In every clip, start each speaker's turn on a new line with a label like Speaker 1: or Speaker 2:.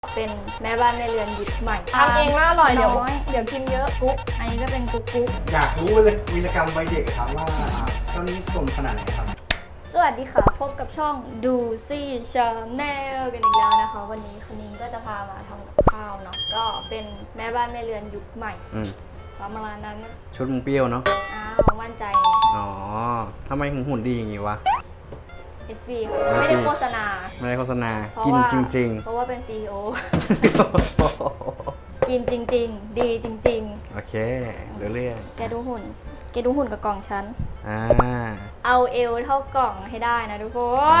Speaker 1: เป็นแม่บ้านแม่เรือนยุคใหม่
Speaker 2: ทำเองแล้วอร่อยเดี๋ยว
Speaker 1: น้อย
Speaker 2: เดี๋ยวกินเยอะ
Speaker 1: กุ๊กอันนี้ก็เป็นกุ๊กกุ๊ก
Speaker 3: อยากรู้เลยวีรกรรมวัยเด็กครับว่าตอนนี้สมขนาดไหนครับ
Speaker 1: สวัสดีค่ะพบกับช่องดูซี่ชาแนลกันอีกแล้วนะคะ วันนี้คุณนิ้งก็จะพามาทำกับข้าวเนาะก็เป็นแม่บ้านแม่เรือนยุคใหม่ประมาณนั้นนะ
Speaker 3: ชุดมึงเปรี้ยวเนาะ
Speaker 1: อ้าวมั่นใจไง
Speaker 3: อ๋อทำไมหุ่นดีอย่างงี้วะ
Speaker 1: SB ค่ะไม่ได้โฆษณา
Speaker 3: ไม่ได้โฆษณา
Speaker 1: เพราะ
Speaker 3: กิน
Speaker 1: ว่า
Speaker 3: จริง
Speaker 1: เพราะว่าเป็น CEO
Speaker 3: ๆ
Speaker 1: กินจริง ๆ ดีจริง
Speaker 3: โอเคเรื่อง
Speaker 1: ๆ แกดูหุ่นกับกล่องฉัน
Speaker 3: อ่า
Speaker 1: เอาเอวเท่ากล่องให้ได้นะทุกคน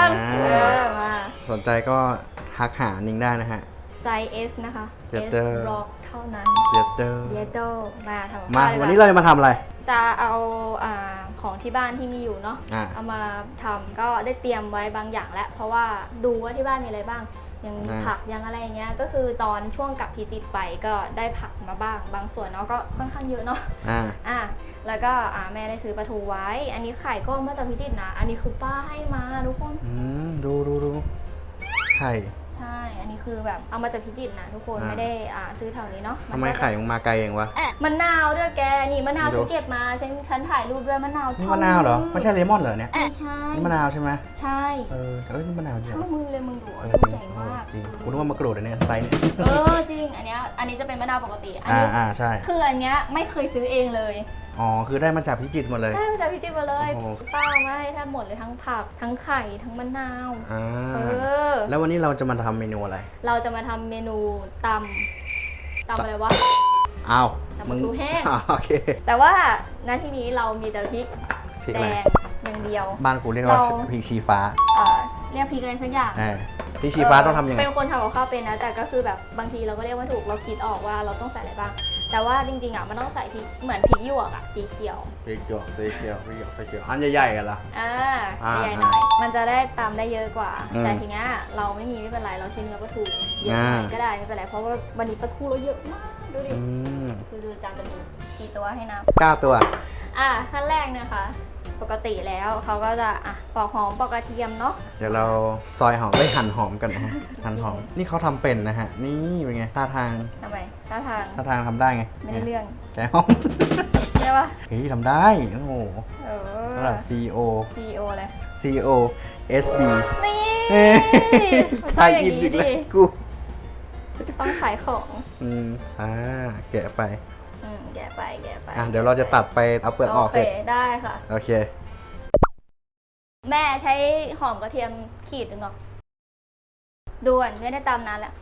Speaker 1: มา
Speaker 3: สนใจก็ทักหานิ้งได้นะฮะ
Speaker 1: ไซส์ S นะคะ S
Speaker 3: Theater
Speaker 1: Block เท่านั้น
Speaker 3: เจเตอร์
Speaker 1: เยโตมาทำกับ
Speaker 3: มา
Speaker 1: ข้ดีก
Speaker 3: วันนี้เราจะมาทำอะไร
Speaker 1: จะเอาของที่บ้านที่มีอยู่เนาะ
Speaker 3: อ่า
Speaker 1: เอามาทำก็ได้เตรียมไว้บางอย่างแล้ว เพราะว่าดูว่าที่บ้านมีอะไรบ้างยังผักยังอะไรอย่างเงี้ยก็คือตอนช่วงกลับพิจิตรไปก็ได้ผักมาบ้างบางส่วนเนาะก็ค่อนข้างเยอะเนาะ
Speaker 3: อ่า
Speaker 1: แล้วก็แม่ได้ซื้อปลาทูไว้ อันนี้ไข่ก็มาจากพิจิตรนะ อันนี้คือป้าให้มาทุกคน
Speaker 3: ดูไข่
Speaker 1: ใช่ อันนี้คือแบบเอามาจากพิจิตรนะทุกคนไม่ได้ซื้อแถวนี้เนาะ
Speaker 3: ทำไมไข่มึงมาไกลเองวะ
Speaker 1: มะนาวด้วยแก นี่มะนาวฉันเก็บมาฉันถ่ายรูปด้วยมะนาว
Speaker 3: นี่มะนาวเหรอไม่ใช่เลมอนเหรอเนี่ย
Speaker 1: ไม่ใช่
Speaker 3: นี่มะนาวใช่ไหม
Speaker 1: ใช่
Speaker 3: นี่มะนาวจริง
Speaker 1: เท่ามือเลยมึงดู
Speaker 3: จ
Speaker 1: ลูก
Speaker 3: ริง
Speaker 1: ใหญ่มาก
Speaker 3: จริงกูนึกว่ามะกรูดอันเนี้ยไซส์เนี่ย
Speaker 1: จริง อันนี้จะเป็นมะนาวปกติ อันนี้
Speaker 3: ใช่
Speaker 1: คืออันเนี้ยไม่เคยซื้อเองเลย
Speaker 3: อ๋อคือได้มาจากพิจิตรหมดเลย
Speaker 1: ได้มาจากพิจิตรมาเลย
Speaker 3: โอ้โห
Speaker 1: ป้าเอามาให้แทบหมดเลยทั้งผักทั้งไข่ทั้งมะนาว
Speaker 3: อ่า
Speaker 1: อ
Speaker 3: แล้ววันนี้เราจะมาทำเมนูอะไร
Speaker 1: เราจะมาทำเมนูตำอะไรวะ
Speaker 3: อ้าว
Speaker 1: ตำปลาทูแห้ง
Speaker 3: โอเค
Speaker 1: แต่ว่าณที่นี้เรามีแต่พริก
Speaker 3: พริก
Speaker 1: แด
Speaker 3: อะไร
Speaker 1: งอย่างเดียว
Speaker 3: บ้านกูเรียกว่า
Speaker 1: เรา
Speaker 3: พริกชี้ฟ้า
Speaker 1: เรียกพริกอะไรสักอย่าง
Speaker 3: พริกชี้ฟ้าต้องทำยังไง
Speaker 1: เป็นคนทำกับข้าวเป็นนะแต่ก็คือแบบบางทีเราก็เรียกว่าถูกเราคิดออกว่าเราต้องใส่อะไรบ้าง แต่ว่าจริงๆมันต้องใส่พริกเหมือนพริกหยวกสีเขียว
Speaker 3: พริกหยวกสีเขียวสีเขียวอันใหญ่ๆกันละ
Speaker 1: ใหญ่หน่อยมันจะได้ตำได้เยอะกว่า
Speaker 3: อืม
Speaker 1: แต่ทีเนี้ยเราไม่มีไม่เป็นไรเราใช้เนื้อปลาทูเยอะหน่อยก็ได้ไม่เป็นไรเพราะว่าวันนี้ปลาทูเราเยอะมากดูดิดูจานปลาทูกี่ตัวให้นับ
Speaker 3: 9 ตัว
Speaker 1: ขั้นแรกนะคะปกติแล้วเขาก็จะปอกหอมปอกกระเทียมเนาะ
Speaker 3: เดี๋ยวเราซอยหอมหั่นหอมกันนะฮะหั่นหอมนี่เขาทำเป็นนะฮะนี่เป็นไงท่าทาง
Speaker 1: ทำไมท่าทาง
Speaker 3: ทำได้ไง
Speaker 1: ไม่ได้เรื่อง
Speaker 3: แกห้อง
Speaker 1: ใช่ปะ
Speaker 3: เฮ้ยทำได้โอ้โหระดับ CEO
Speaker 1: CEO เลย
Speaker 3: CEO SB
Speaker 1: นี่
Speaker 3: เฮ้ยไทยอินอีกแล้วกู
Speaker 1: ต้องขายของ
Speaker 3: แกะไป
Speaker 1: แกะไป
Speaker 3: เดี๋ยวเราจะตัดไปเอาเปลือกออกเสร็จ
Speaker 1: โอเคได้ค่ะ
Speaker 3: โอเค
Speaker 1: แม่ใช้หอมกระเทียมขีดหนึ่งหรอด่วนไม่ได้ตำนานแล้ว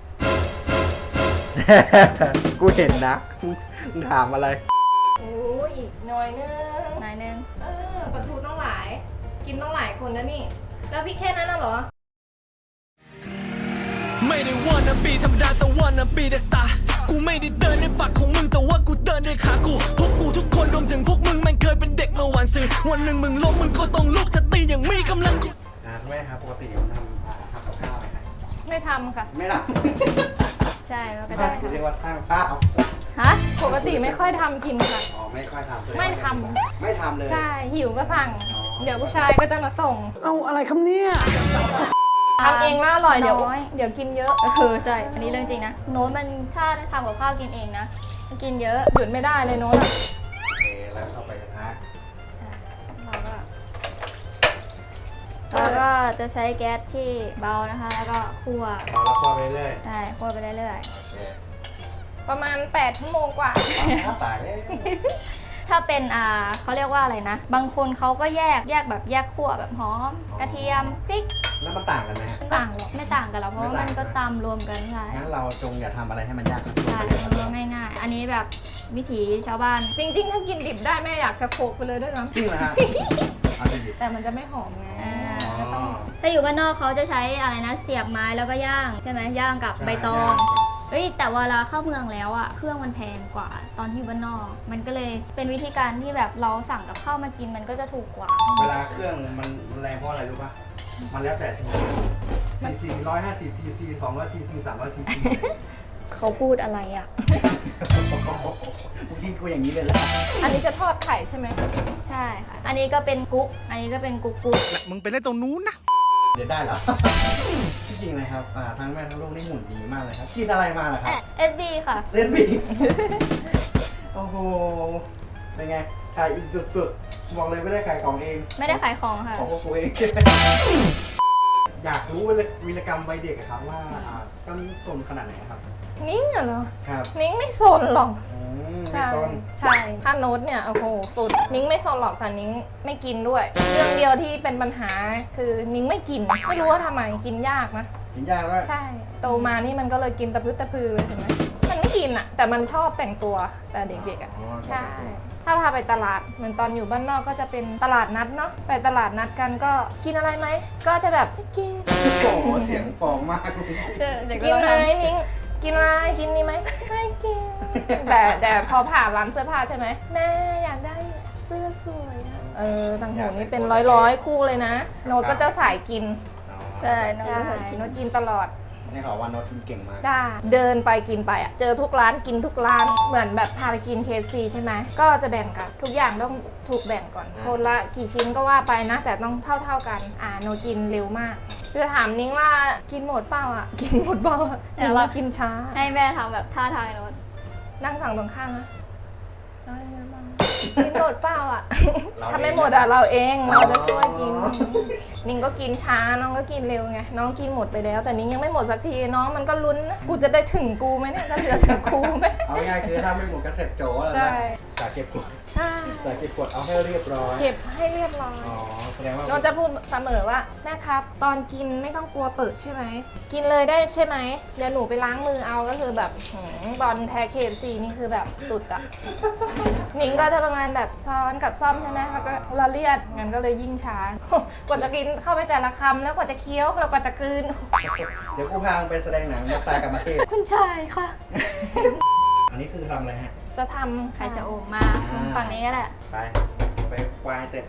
Speaker 3: กูเห็นนะมึงถามอะไร
Speaker 2: โอ้ยอีกหน่อยนึง
Speaker 1: นายนึง
Speaker 2: ปลาทูต้องหลาย กินต้องหลายคนนะนี่ แล้วพี่แค่นั้นน่ะเหรอ
Speaker 4: ไม่ได้ wanna be ธรรมดาแต่ wanna be the star กูไม่ได้เดินในปากของมึงแต่ว่ากูเดินด้วยขากูพวกกูทุกคนรวมถึงพวกมึงมันเคยเป็นเด็กเมื่อวันซื่อวันหนึ่งมึงล้มมึงก็ต้องลุกถ้าตีอย่างมีกำลัง
Speaker 3: แม่ครับปกติผมทำกับข้าวไหมครับ
Speaker 2: ไม่ทำค่ะ
Speaker 3: ไม่ท
Speaker 1: ใช่มันก็
Speaker 3: ำ
Speaker 1: ได้
Speaker 3: เรียกว่าสร้างข้าว
Speaker 1: ฮะ
Speaker 2: ปกติไม่ค่อยทำกินค่ะ
Speaker 3: อ๋อไม่ค่อยทำ
Speaker 2: ไม่ท
Speaker 3: ไม่ทำเลย
Speaker 2: ใช่ หิวก็สั่ง เดี๋ยวผู้ชายก็จะมาส่ง
Speaker 4: เอาอะไรคำเนี้ย
Speaker 2: ทำเองแล้วอร่อยเดี๋ยว
Speaker 1: น้อย
Speaker 2: เดี๋ยวกินเยอะ
Speaker 1: ใช่อันนี้เรื่องจริงนะโน้ตมันถ้าทำกับข้าวกินเองนะมันกินเยอะ
Speaker 2: หยุดไม่ได้เลยโน้ตอะ
Speaker 3: โอเคแล้วเข้าไปกระทะ
Speaker 1: เราก็จะใช้แก๊สที่เบานะคะ แล้วก็คั่ว
Speaker 3: เราละคั่วไปเรื่อย
Speaker 1: ใช่คั่วไปเรื่อย
Speaker 3: โอเค
Speaker 2: ประมาณ8 ชั่วโมงกว่า
Speaker 3: ตายเลย
Speaker 1: ๆถ้าเป็นเขาเรียกว่าอะไรนะ บางคนเขาก็แยกแบบแยกคั่วแบบหอมกระเทียมพริก
Speaker 3: แล้วมันต่างกันไหมฮะ
Speaker 1: ต่างหรอกไม่ต่างกันหรอกเพราะว่ามันก็ตำรวมกันใช่
Speaker 3: งั้นเราจงอย่าทำอะไรให้มันยาก
Speaker 1: ใช่มันก็ง่ายๆ อันนี้แบบวิถีชาวบ้าน
Speaker 2: จริงๆ ถ้ากินดิบได้แม่อยากจะโขกไปเลยด้วยซ้
Speaker 3: จริงเหรอฮะเอาจริง
Speaker 2: ำแต่มันจะไม่หอมไง
Speaker 3: ๆ
Speaker 2: ก็ต้อง
Speaker 1: ถ้าอยู่บ้านนอกเขาจะใช้อะไรนะเสียบไม้แล้วก็ย่างใช่ไหมย่างกับใบตองเฮ้ยแต่เวลาเข้าเมืองแล้วอะเครื่องมันแพงกว่าตอนที่อยู่บ้านนอก มันก็เลยเป็นวิธีการที่แบบเราสั่งกับข้าวมากินมันก็จะถูกกว่า
Speaker 3: เวลาเครื่องมันแรงเพราะอะไรรู้ป่ะ มันแล้วแต่ซี150ซีซี200ซีซี300ซีซี
Speaker 1: เขาพูดอะไรอะ
Speaker 3: กูกินกูอย่างนี้เลยแหละ
Speaker 2: อันนี้จะทอดไข่ใช่ไหม
Speaker 1: ใช่ค่ะอันนี้ก็เป็นกุ๊กอันนี้ก็เป็นกุ๊ก
Speaker 4: มึงไปเล่นตรงนู้นนะ
Speaker 3: เดี๋ยวได้เหรอ ที่จริงนะครับทั้งแม่ทั้งลูกนี่หุ่นดีมากเลยครับกินอะไรมาล่ะครับ
Speaker 1: SB ค่ะ
Speaker 3: เล่นบี โอ้โห เป็นไง ขายอีกสุดๆ บอกเลยไม่ได้ขายของเอง
Speaker 1: ไม่ได้ขายของค่ะ
Speaker 3: ของพวกกูเอง อยากรู้วีรกรรมวัยเด็กอะครับว่าตอนนี้สนขนาดไหนครับ
Speaker 2: นิ้งเหรอ
Speaker 3: ครับ
Speaker 2: นิ้งไม่สนหรอก
Speaker 3: ไม่
Speaker 2: ใช่
Speaker 3: สน
Speaker 2: ใช่ถ้าโน้ตเนี่ยโอ้โหสุดนิ้งไม่สนหรอกแต่นิ้งไม่กินด้วย เรื่องเดียวที่เป็นปัญหาคือนิ้งไม่กิน ไม่รู้ว่าทำไมกินยากนะ
Speaker 3: กินยากด้วย
Speaker 2: ใช่โตมานี่มันก็เลยกินตะพื้ตะพือเลยเห็นไหมมันไม่กินอะแต่มันชอบแต่งตัวแต่เด็กๆอะ
Speaker 3: อ๋อ
Speaker 2: ใช่ ถ้าพาไปตลาดเหมือนตอนอยู่บ้านนอกก็จะเป็นตลาดนัดเนาะไปตลาดนัดกันก็กินอะไรไหมก็จะแบบไม่กิน
Speaker 3: โอ้โห เสียงฟองมาก
Speaker 1: เด็ก
Speaker 2: กินไหมนิ้งกินอะไรกินนี่ไหมไม่กิน แต่พอผ่านร้านเสื้อผ้าใช่ไหมแม่อยากได้เสื้อสวยอะต่างหูนี่เป็นร้อยคู่เลยนะ โน้ตก็จะสายกิน
Speaker 1: ใช่
Speaker 2: ใช่โน้ตกินตลอด
Speaker 3: นี่เขาว่าโน้ตกินเก่งมาก
Speaker 2: ได้เดินไปกินไปอ่ะเจอทุกร้านกินทุกร้านเหมือนแบบพาไปกิน KFC ใช่ไหมก็จะแบ่งกันทุกอย่างต้องถูกแบ่งก่อนคนละกี่ชิ้นก็ว่าไปนะ แต่ต้องเท่ากันโนกินเร็วมากจะถามนิ้งว่ากินหมดเปล่าอ่ะกินหมดเปล่าอ่ะเดี๋ยวเรากินช้า
Speaker 1: ให้แม่ทำแบบท่าทางโน้ต
Speaker 2: นั่งฝั่งตรงข้ามนะน้อยนะบ้างกินหมดเปล่าอ่ะ
Speaker 3: เราเอง
Speaker 2: ทำไม่หมดอ่ะเราเองเราจะช่วยกินนิ้งก็กินช้าน้องก็กินเร็วไงน้องกินหมดไปแล้ว แต่นิ้งยังไม่หมดสักทีน้องมันก็ลุ้นนะกูจะได้ถึงกูไหมเนี่ยจะเหลือถึงกูไหม
Speaker 3: เอาง่ายๆคือถ้าไม่หมดก็เสร็จโจ้แล้ว
Speaker 2: ใช่
Speaker 3: นะสาเก็บกด
Speaker 2: ใช่
Speaker 3: สาเก็บกดเอาให้เรียบร้อย
Speaker 2: เก็บให้เรียบร้อย
Speaker 3: อ๋อ แสดงว่า
Speaker 2: น้องจะพูดเสมอว่าแม่ครับ ตอนกินไม่ต้องกลัวเปิดใช่ไหมกินเลยได้ใช่ไหมเดี๋ยวหนูไปล้างมือเอาก็คือแบบบอลแท้เคฟซีนี่คือแบบสุดอะ นิ้งก็จะประมาณแบบช้อนกับซ่อมใช่ไหมแล้วก็ละเลียดงั้นก็เลยยิ่งช้า กว่าจะกินเข้าไปแต่ละคำแล้วกว่าจะเคี้ยวแล้วกว่าจะกลืน
Speaker 3: เดี๋ยวกูพามึงไปแสดงหนังมาตายกับมาเทศ
Speaker 1: คุณชายค่ะ
Speaker 3: อันนี้คือทำอะไรฮะ
Speaker 2: จะทำ
Speaker 1: ใครจะโอมมาฝั่งนี้ก็แหละ
Speaker 3: ไปควายเสร็จ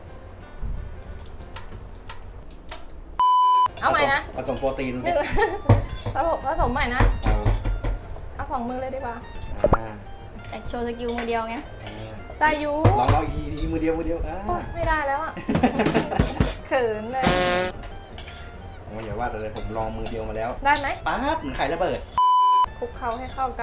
Speaker 2: เอาใหม่นะ
Speaker 3: ผสมโปรตีน
Speaker 2: หนึ่ง ผสมใหม่นะเอาสองมือเลยดีกว่า
Speaker 3: อ่า
Speaker 1: แต่โชว์สกิลมือเดียวไง
Speaker 2: ตายุ
Speaker 3: ลองอีกทีมือเดียวอ่า
Speaker 2: โอ๊ยไม่ได้แล้วอะ เขินเลย
Speaker 3: โอ้ยอย่าว่าแต่เลยผมลองมือเดียวมาแล้ว
Speaker 2: ได้ไหม
Speaker 3: ป๊าบเหมือนไข่ระเบิด
Speaker 2: คลุกเคล้าให้เข้ากัน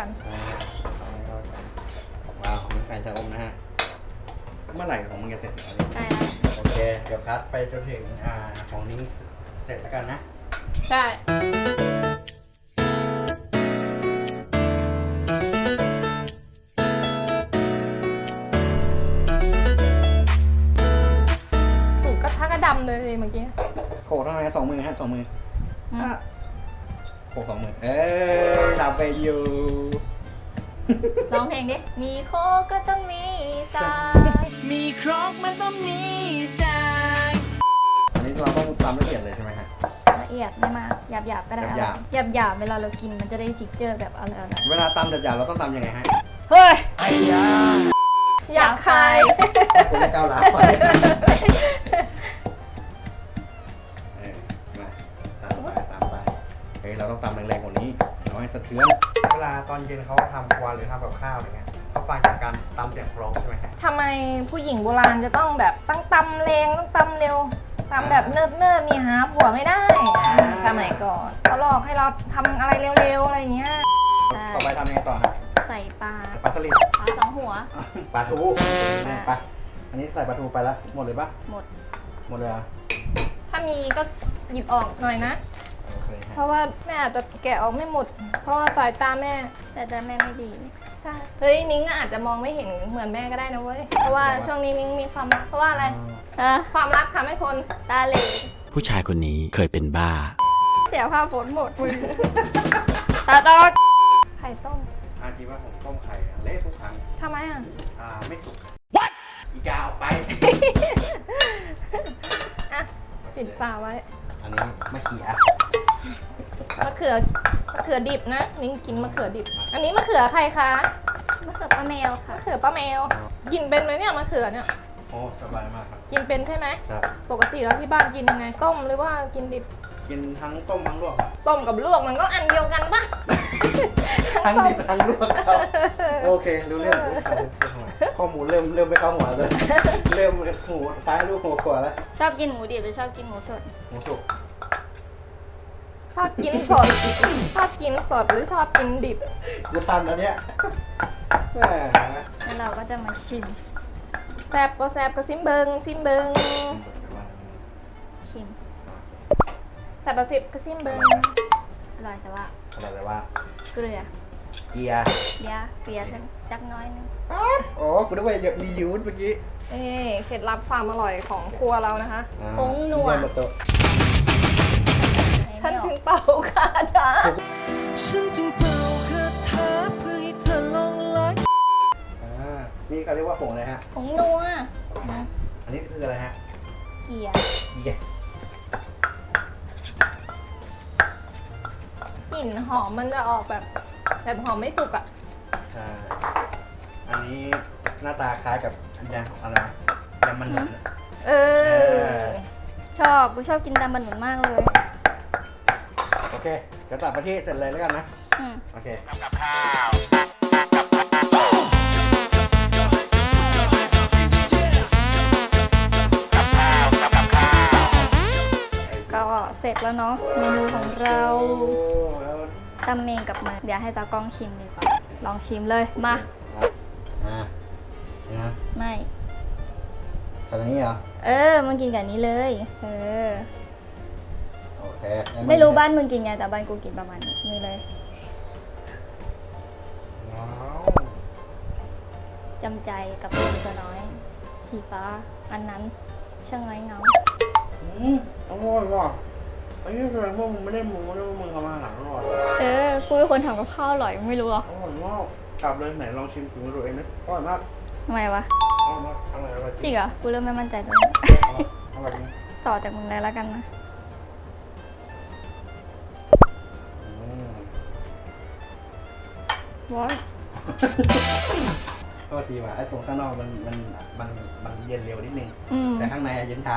Speaker 3: ว้าวมีไข่ชะอมนะฮะ เมื่อไหร่ของมึงจะเสร็จ
Speaker 1: ใช่แล้ว
Speaker 3: โอเค เดี๋ยวคัดไปจนถึงของนิ้งเสร็จแล้วกันนะ
Speaker 2: ใช่ ถูกกระทะกระดำเลยเมื่อกี้
Speaker 3: โขกทำไม2 มือฮะ2 มืออ่ะโขก2 มือ ดับไปอยู่
Speaker 1: ร้องเพลงดิ มีโคกก็ต้องมีสาย
Speaker 4: มีครกมันต้องมีสาย
Speaker 3: อันนี้เราต้องตำละเอียดเลยใช่ไหมฮะ
Speaker 1: ละเอียดไม่มากหยาบๆก็ได้
Speaker 3: หยาบ
Speaker 1: หยาบๆเวลาเรากินมันจะได้จิกเจอร์แบบอะไร
Speaker 3: เวลาตำหยาบๆเราต้องตำยังไงฮะ
Speaker 1: เฮ้ย
Speaker 3: ไอ้ยา
Speaker 2: อยากคาย
Speaker 3: ผมจะก้าวหลาก่อนมาตามไปเฮ้ยเราต้องตำแรงๆกว่านี้น้อยสะเทือน เวลาตอนเย็นเขาทำครัวหรือทำกับข้าวอะไรเงี้ยเขาฟังจากการตำเสียงเพร้องใช่ไหมฮะ
Speaker 2: ทำไมผู้หญิงโบราณจะต้องแบบต้องตำแรงต้องตำเร็วตำแบบเนิบๆมีหาผัวไม่ได้สมัยก่อนเขาหลอกให้เราทำอะไรเร็วๆอะไรอย่างเงี้ย
Speaker 3: ต่อไปทำยังไงต่อฮะ
Speaker 1: ใส่ปลา
Speaker 3: ปลาสลิด
Speaker 1: ปลาสองหัว
Speaker 3: ปลาทูไปอันนี้ใส่ปลาทูไปแล้วหมดเลยปะ
Speaker 1: หมด
Speaker 3: หมดเลยเหรอ
Speaker 2: ถ้ามีก็หยิบออกหน่อยนะ
Speaker 3: โอเค
Speaker 2: เพ
Speaker 3: ฮะ
Speaker 2: ราะว่าแม่อาจจะแกะออกไม่หมด เพราะว่าสายตาแม่
Speaker 1: แต่จะแม่ไม่ดี
Speaker 2: ใช่ เฮ้ยนิ้งอาจจะมองไม่เห็นเหมือนแม่ก็ได้นะเว้ย เพราะว่าช่วงนี้นิ้งมีความรัก เพราะว่าอะไร
Speaker 1: อ่ะ
Speaker 2: ความรักทำให้คน
Speaker 1: ตาเหลว
Speaker 4: ผู้ชายคนนี้เคยเป็นบ้า
Speaker 1: เสียผ้าฝนหมดมือตาตอด
Speaker 2: ไข่ต้ม
Speaker 3: จริงว่าผมต้มไข่เละทุกครั้ง
Speaker 2: ทำไมอ่ะ
Speaker 3: ไม่สุกอีกาออกไป
Speaker 2: อ่ะ ปิดฝาไว้
Speaker 3: อันนี้มะเขือ
Speaker 2: มะเขือดิบนะ นิ้งกินมะเขือดิบ อันนี้มะเขือใครคะ
Speaker 1: มะเขือป้าแมวค่ะ
Speaker 2: มะเขือป้าแมว กินเป็นไหมเนี่ยมะเขือเนี่ย
Speaker 3: โอ้สบายมากครับ
Speaker 2: กินเป็นใช่ไหม
Speaker 3: ครับ
Speaker 2: ปกติแล้วที่บ้านกินยังไง ต้มหรือว่ากินดิบ
Speaker 3: กินทั้งต้มทั้งลวกครับ
Speaker 2: ต้มกับลวกมันก็อันเดียวกันปะ
Speaker 3: ทั้งดิบทั้งลวกครับโอเครู้เรื่องข้อมูลเริ่มไม่เข้าหัวเลย เริ่มหูซ้ายลูกหัวขวาแล้ว
Speaker 1: ชอบกินหมูดิบหรือชอบกินหมูสด
Speaker 3: หมูสุก
Speaker 2: ชอบกินสด ชอบกินสดหรือชอบกินดิบ
Speaker 3: กูทันอันเนี้ยแหม
Speaker 1: แล้วเราก็จะมาชิม
Speaker 2: แซบก็แซบก็ซิมเบิงซิมเบิง
Speaker 1: ชิม
Speaker 2: แซบประสิบก็ซิมเบิง
Speaker 1: อร่อยแต่ว่า
Speaker 3: อะไรเลยว่า
Speaker 1: เกลือ
Speaker 3: เกียร์
Speaker 1: เกลือสักจักน้อยนึง
Speaker 3: โอ้กูนึกว่ารียูสเมื่อกี้
Speaker 2: นี่เคล็ดลับความอร่อยของครัวเรานะคะ
Speaker 1: ผงนัว
Speaker 3: นี่เย็นมาโตะ
Speaker 2: ท่านถึงเป่าคาถา
Speaker 4: ฉันจึงเป่าคาถาเพื่อให้เธอหลงไหล
Speaker 3: นี่เขาเรียกว่าผงอะไรฮะ
Speaker 1: ผงนัว
Speaker 3: อันนี้คืออะไรฮะ
Speaker 1: เกลือ
Speaker 3: เกียร์
Speaker 2: กลิ่นหอมมันจะออกแบบหอมไม่สุกอ่ะ
Speaker 3: ใช่อันนี้หน้าตาคล้ายกับอันยางของอะไรนะยำมันหนุนอะ
Speaker 2: เออ
Speaker 1: กูชอบกินตำบันหนุนมากเลย
Speaker 3: โอเค เดี๋ยวตัดไปที่เสร็จเลยแล้วกันนะ
Speaker 1: อืม
Speaker 3: โอเค
Speaker 1: ก็เสร็จแล้วเนาะเมนูของเรา
Speaker 3: โอ้แล้ว
Speaker 1: ตำเมงกับมันเดี๋ยวให้ตากล้องชิมดีกว่า ลองชิมเลย มา
Speaker 3: นี่นะ
Speaker 1: ไม่
Speaker 3: ทำอย่างนี้เหรอ
Speaker 1: มึงกินกับนี้เลย
Speaker 3: โอเค
Speaker 1: ไม่รู้บ้านมึงกินไงแต่บ้านกูกินประมาณนี้เลย
Speaker 3: ว้าว
Speaker 1: จำใจกับลูกตัวน้อย สีฟ้า อันนั้นช่างไร้เงา
Speaker 3: อร่อยว่ะไอ้นี่แสดงว่ามึงไม่ได้มึงทำอาหารอร่อย
Speaker 1: กูเป็นคนทำกับข้าวอร่อยมึงไม่รู้หรอ
Speaker 3: อร่อยมากกลับเลยไหนลองชิมถึงตัวเองนะอร่อยมาก
Speaker 1: ทำไมวะ
Speaker 3: อร่อยมากอร่อย
Speaker 1: จริงเหรอ กูเริ่มไม่มั่นใจตัวเอง
Speaker 3: อร่อยจริง
Speaker 1: ต่อจากมึงเลยแล้วกันนะ ว้าย
Speaker 3: โทษทีว่ะไอ้ตรงข้างนอกมันเย็นเร็วนิดนึง
Speaker 1: อืม
Speaker 3: แต่ข้างในเย็นช้า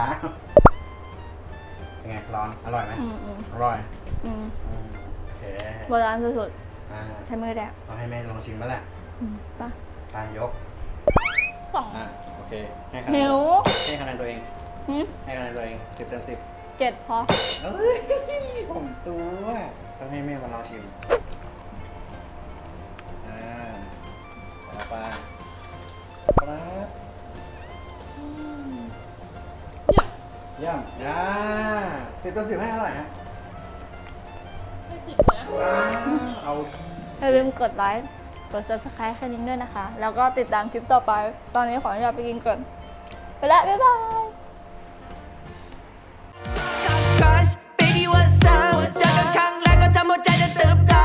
Speaker 3: เป็นไงร้อนอร่อยไหม
Speaker 1: อืม
Speaker 3: อร่อย
Speaker 1: อืม
Speaker 3: โอเค
Speaker 1: โบราณสุด
Speaker 3: อ่า
Speaker 1: ๆใช้มือแดก
Speaker 3: เอาให้แม่ลองชิมมาแหละ
Speaker 1: ปะ
Speaker 3: ตายก
Speaker 1: สอง
Speaker 3: โอเคให้คะแน
Speaker 1: หิ
Speaker 3: น
Speaker 1: ว
Speaker 3: ให้คะแนนตัวเอง
Speaker 1: หืม
Speaker 3: ให้คะแนนตัวเอง10 เต็ม 10
Speaker 1: 7 พอ
Speaker 3: เอ้ยผมตัวต้องให้แม่มาลองชิมต่อไปครับเยี่ยม10 เต็ม 10ให้อร่อยฮะให้10นะเอา
Speaker 1: อย่าลืมกดไลค์ กด subscribe แค่นี้ด้วยนะคะ แล้วก็ติดตามคลิปต่อไป ตอนนี้ขออนุญาตไปกินก่อน ไปแล้ว บ๊ายบาย
Speaker 4: Baby what's up เจอกันครั้งแรกก็ทำหัวใจจะตื่นตา